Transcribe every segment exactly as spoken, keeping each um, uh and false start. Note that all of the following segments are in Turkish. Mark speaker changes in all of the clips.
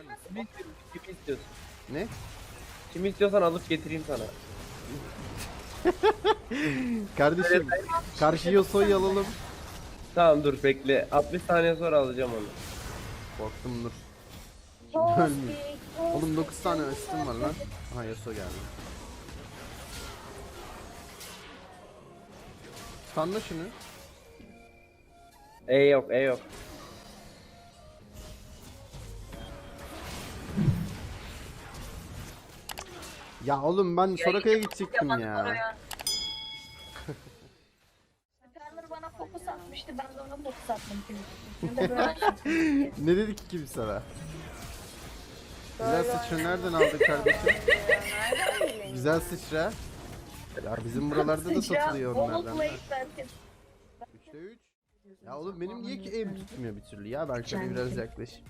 Speaker 1: misin?
Speaker 2: Kimi istiyorsun? Kimi istiyorsun?
Speaker 1: Ne?
Speaker 2: Kimi istiyorsan alıp getireyim sana.
Speaker 1: Kardeşim karşı Yasuo'yu alalım.
Speaker 2: Tamam dur bekle. altmış saniye sonra alacağım onu.
Speaker 1: Korktum dur.
Speaker 3: Tospik,
Speaker 1: Ölmüyor.
Speaker 3: tospik,
Speaker 1: Oğlum dokuz tane
Speaker 3: tospik,
Speaker 1: asistim var lan. Aha Yasuo geldi. Stunla şunu.
Speaker 2: E yok E yok.
Speaker 1: Ya oğlum ben Soraka'ya gidecektim ya.
Speaker 3: Skarner bana fokus atmıştı, ben de ona fokus attım. Ben de böyle şey-
Speaker 1: Ne dedik ki kim sana? Güzel sıçra nereden aldın kardeşim? Güzel sıçra. Ya bizim buralarda da
Speaker 3: Sıçra,
Speaker 1: satılıyor
Speaker 3: Bolu
Speaker 1: onlardan. da.
Speaker 3: Blade belki.
Speaker 1: üçte üç. Ya oğlum benim niye ki aim tutmuyor bir türlü ya? Ben şöyle biraz yaklaşayım.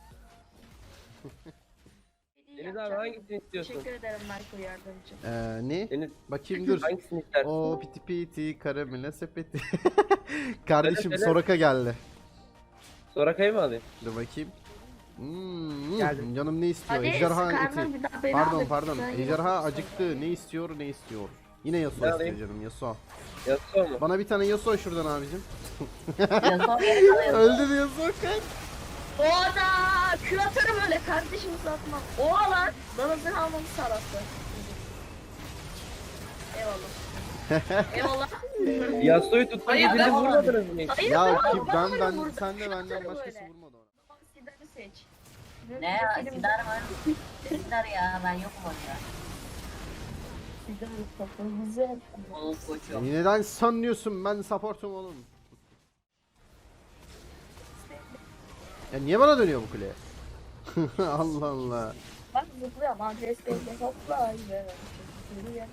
Speaker 2: Deniz abi hangisini istiyorsun?
Speaker 3: Teşekkür ederim Michael yardımcı.
Speaker 1: Ee, ne?
Speaker 2: Deniz
Speaker 1: Bakayım dur.
Speaker 2: hangisini istersin?
Speaker 1: O piti piti karamele sepeti. Kardeşim
Speaker 2: Söyle, söyle.
Speaker 1: Soraka geldi.
Speaker 2: Soraka'yı mı alayım?
Speaker 1: Dur bakayım. Hmm,
Speaker 2: Geldim.
Speaker 1: canım ne istiyor?
Speaker 3: Hadi
Speaker 1: Ejderha
Speaker 3: Skarner
Speaker 1: eti.
Speaker 3: bir daha beni
Speaker 1: Pardon
Speaker 3: alır.
Speaker 1: pardon.
Speaker 3: Ben
Speaker 1: Ejderha
Speaker 3: yok.
Speaker 1: acıktı. Ne istiyor? Ne istiyor? Yine Yasuo
Speaker 2: Ne
Speaker 1: istiyor
Speaker 2: alayım?
Speaker 1: canım Yasuo.
Speaker 2: Yasuo mu?
Speaker 1: Bana bir tane Yasuo şuradan abicim.
Speaker 3: Yasuo beni alıyor.
Speaker 1: Öldü Yasuo kaç.
Speaker 3: Oda! Kül atarım öyle kardeşim uzatmam. Oha lan! Danızını almamı sağlattı. Eyvallah. Eyvallah.
Speaker 2: Yasuo'yu tuttum.
Speaker 3: Hayır,
Speaker 2: Bizi
Speaker 3: ben-
Speaker 2: vurmadınız mı hiç?
Speaker 3: Hayır,
Speaker 1: Ya
Speaker 3: ben
Speaker 1: ki ben
Speaker 3: ben
Speaker 1: ben
Speaker 3: vurdum.
Speaker 1: sen de
Speaker 3: Kül
Speaker 1: benden
Speaker 3: atarım
Speaker 1: başkası
Speaker 3: öyle.
Speaker 1: vurmadı ona.
Speaker 3: Tamam, Sidar'ı seç.
Speaker 4: Ne ya? Sidar var. Sidar ya ben yokum orada.
Speaker 3: Sidar Mustafa güzel.
Speaker 4: Oğuz koçum.
Speaker 1: Beni neden sanıyorsun? Ben supportum oğlum. Ya niye bana dönüyor bu kule? Allah Allah.
Speaker 3: Bak zıplıyorum adres belli hopla. Yürüyor.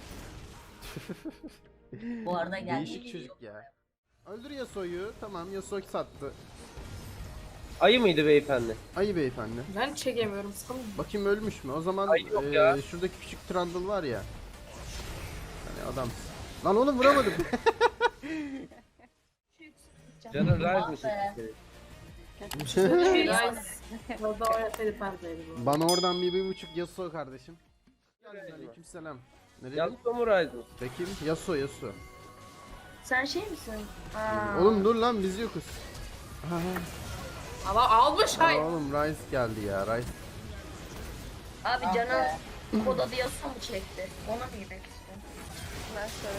Speaker 4: Bu arada geldi.
Speaker 1: Değişik çocuk ya. Öldür Yasuo'yu. Tamam Yasuo sattı.
Speaker 2: Ayı mıydı beyefendi?
Speaker 1: Ayı beyefendi.
Speaker 5: Ben çekemiyorum sanırım.
Speaker 1: Bakayım ölmüş mü? O zaman
Speaker 2: Ay yok
Speaker 1: eee,
Speaker 2: ya.
Speaker 1: şuradaki küçük Trundle var ya. Hani adam. Lan oğlum vuramadım.
Speaker 2: Canın rise
Speaker 4: Ah
Speaker 2: mi
Speaker 4: be.
Speaker 2: çekti?
Speaker 5: Rice. Orada oynasaydı perdeydi bu.
Speaker 1: Bana oradan bir, bir buçuk Yasuo kardeşim. Aleykümselam. Nereye?
Speaker 2: Yasuo mu rise mi?
Speaker 1: Bakayım Yasuo Yasuo.
Speaker 3: Sen şey misin? Aa.
Speaker 1: Oğlum dur lan biz yokuz. Ha,
Speaker 5: Ama almış
Speaker 1: ha.
Speaker 5: hay.
Speaker 1: Oğlum Rice geldi ya Rice.
Speaker 3: Abi
Speaker 4: Ah
Speaker 3: canı
Speaker 4: be.
Speaker 3: koda diyorsa mı çekti? Ona mı yemek istiyorsun? Ben sonra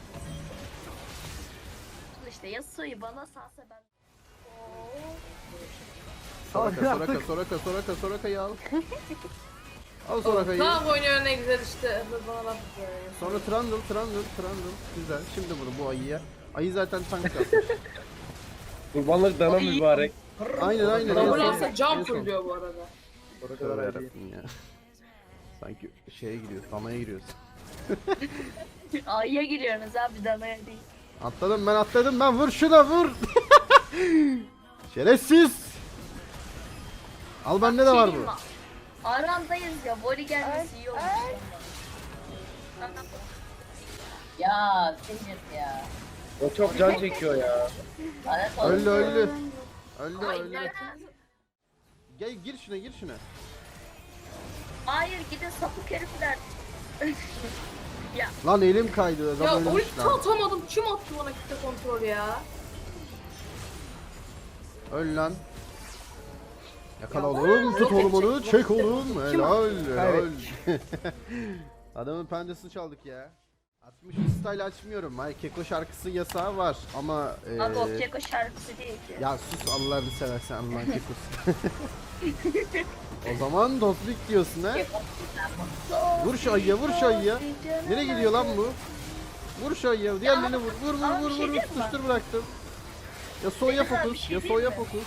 Speaker 3: işte Yasuo'yu bana salsa ben. Oo.
Speaker 1: Soraka Soraka Soraka Soraka Soraka'yı al. Al Soraka'yı.
Speaker 5: Tamam oynuyor ne güzel işte. Bana laf atıyor.
Speaker 1: Sonra Trundle Trundle Trundle. Güzel. Şimdi bunu bu ayıya. Ayı zaten tank atmış.
Speaker 2: Kurbanlık dana mübarek.
Speaker 1: Aynen aynen.
Speaker 5: Double
Speaker 1: En son-
Speaker 5: alsa cam
Speaker 1: en son.
Speaker 5: full bu arada.
Speaker 1: Tövbe yarabbim ya. Sanki şeye giriyor, damaya giriyoruz.
Speaker 3: Ayıya giriyorsunuz abi danaya değil.
Speaker 1: Atladım ben atladım ben vur şuna vur. Şerefsiz. Al bende de var
Speaker 3: Şey
Speaker 1: bu.
Speaker 3: mi? Arandayız ya. Voli gelmesi iyi olmuş.
Speaker 4: Ya Sidar ya.
Speaker 2: O çok can çekiyor ya.
Speaker 4: Lanet
Speaker 1: Öldü
Speaker 4: olsun.
Speaker 1: öldü. Öldü
Speaker 5: Ay,
Speaker 1: öldü.
Speaker 5: ya.
Speaker 1: Gel gir şuna gir şuna.
Speaker 3: Hayır gidin sapık herifler.
Speaker 1: Lan elim kaydı adam
Speaker 5: Ya
Speaker 1: ölmüş
Speaker 5: ulti
Speaker 1: lan.
Speaker 5: atamadım. Kim attı bana kitle kontrol ya?
Speaker 1: Öl lan. Yakala oğlum tut oğlum onu çek oğlum. Helal helal. Adamın pendesini çaldık ya. altmış style açmıyorum. Ay Keko şarkısı yasağı var ama eee
Speaker 3: Abi o Keko şarkısı değil ki.
Speaker 1: ya sus Allah'ını seversen Allah'ın kekosu. O zaman dostluk diyorsun ha? Vur şu ayıya vur şu ayıya. Nereye gidiyor lan bu? Vur şu ayıya. Diğerlerini vur. Vur vur
Speaker 3: Ama
Speaker 1: vur
Speaker 3: bir şey
Speaker 1: vur.
Speaker 3: diyeyim mi?
Speaker 1: Tutuştur bıraktım. Ya soya
Speaker 3: Güzel, bir
Speaker 1: fokus.
Speaker 3: şey
Speaker 1: Ya
Speaker 3: diyeyim
Speaker 1: soya
Speaker 3: mi?
Speaker 1: fokus.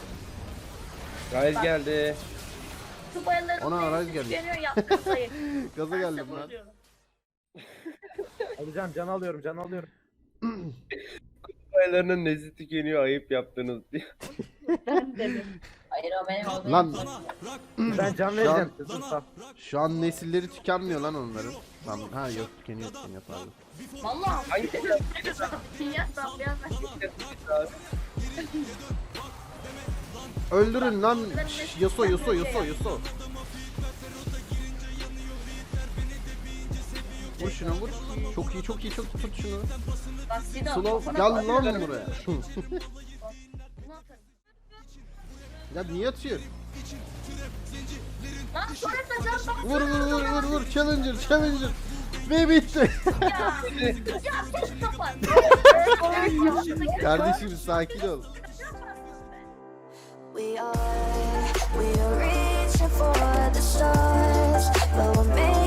Speaker 2: Rise geldi.
Speaker 3: Su bayaları
Speaker 1: Ona Rise geldi.
Speaker 3: Geliyor ya kafayı.
Speaker 1: Gaza
Speaker 3: Ben
Speaker 1: geldim
Speaker 3: size
Speaker 1: lan.
Speaker 3: vuruyorum.
Speaker 6: Alacağım can alıyorum can alıyorum.
Speaker 2: Baylarının nezi tükeniyor ayıp yaptınız diye.
Speaker 3: Ben dedim.
Speaker 4: Hayır o benim o benim.
Speaker 1: Lan
Speaker 6: Ben can vereceğim. Kızım saf.
Speaker 1: şu an nesilleri tükenmiyor lan onların. Lan ha yok tükeniyor tükeniyor pardon.
Speaker 3: Vallahi.
Speaker 2: Hangi
Speaker 3: Ya saplayan ben.
Speaker 1: Öldürün lan. Şş, Yasuo Yasuo Yasuo Yasuo. Vur şuna vur. Çok iyi çok iyi çok iyi, tut şunu.
Speaker 3: Bak Sido.
Speaker 1: Slow
Speaker 3: kafana
Speaker 1: gel
Speaker 3: bak.
Speaker 1: lan buraya.
Speaker 3: Bunu atarım.
Speaker 1: Ya niye atıyor?
Speaker 3: Lan sonrasında can bak.
Speaker 1: Vur vur vur vur vur challenger challenger. Ve bitti.
Speaker 3: Ya tek kapat.
Speaker 1: Kardeşim sakin ol.
Speaker 7: We are, we are reaching for the stars, but we're made